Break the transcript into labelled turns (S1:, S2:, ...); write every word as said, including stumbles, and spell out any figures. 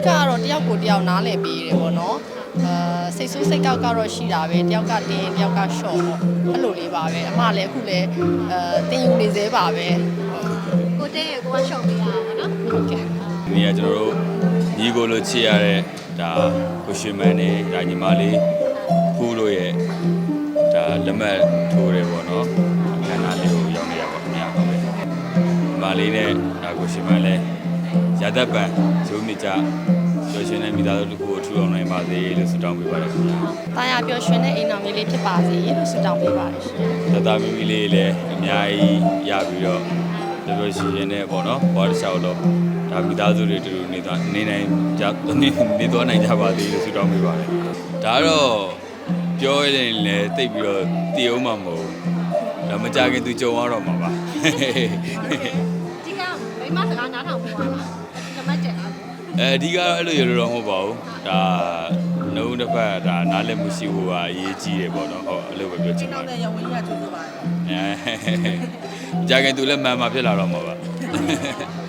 S1: ကတော့တယောက်ကိုတယောက်နားလည်ပေးတယ်ပေါ့နော်အာစိတ်ဆိုးစိတ်ကောက်ကတော့ရှိတာပဲတယောက်ကတင်းတယောက်ကရှော့ပေါ့အဲ့လိုလေးပါပဲအမလည်းအခုလည်းအဲတင်းယူနေသေးပါပဲ
S2: ကိုတင်းရဲ့ကိုကရှော့ပေးရတာပေါ့နော်
S1: ဟုတ်ကဲ့
S3: ဒီကကျွန်တော်တို့ညီကိုလိုချစ်ရတဲ့ဒါကိုရှင်မန်နဲ့ဒါညီမလေးဖူးလို့ရဲ့ဒါလက်မှတ်ထိုးတယ်ပေါ့နော်ခန္ဓာလေးကိုရောက်နေရပါခင်ဗျာဟုတ်ကဲ့ညီမလေးနဲ့ဒါကိုရှင်မန်လည်းရသက်ပံဇိုးမြကြပျော်ရွှင်တဲ့မိသားစုတစ်ခုကိုထူထောင်နိုင်ပါစေလို့ဆုတောင်းပေးပါတယ်ခင်ဗျာ
S1: ။တာယာပျော်ရွှင်တဲ့အိမ်တော်ကြီးလေးဖြစ်ပါစေလို့ဆုတောင်းပေးပါတယ်ရှင်
S3: ။တသားမီမီလေးလည်းအများကြီးရပြီးတော့ပျော်ပျော်ရွှင်ရွှင်နဲ့ပေါ့နော်။ဘောတစ်လျှောက်တော့ဒါမိသားစုတွေတူတူနေသွားနေနိုင်ကြနေနေသွားနိုင်ကြပါသေးလို့ဆုတောင်းပေးပါတယ်။ဒါတော့ပြောရရင်လည်းတိတ်ပြီးတော့တည်အောင်မှာမဟုတ်ဘူး။ဒါမကြခင်သူကြုံရတော့မှာပါ
S2: ။ဒီကမိမစကားနားထောင်ဖို့ပါလား။ဓမ္မကျက်လား
S3: ။အဲအဓိကတော့အဲ့လိုရလို့တော့မဟုတ်ပါဘူး။ဒါနှုတ်တစ်ဖက်ဒါနားလည်မှုရှိဖို့ကအရေးကြီးတယ်ပေါ့နော်။ဟုတ်အဲ့လိုပဲပြောချင်ပါတယ်
S4: ။ကျွန်တော်လည်းရဝင်ရကြိုးစားပါတယ်
S3: ။အဲကြခင်သူလည်းမှန်မှာဖြစ်လာတော့မှာပါ။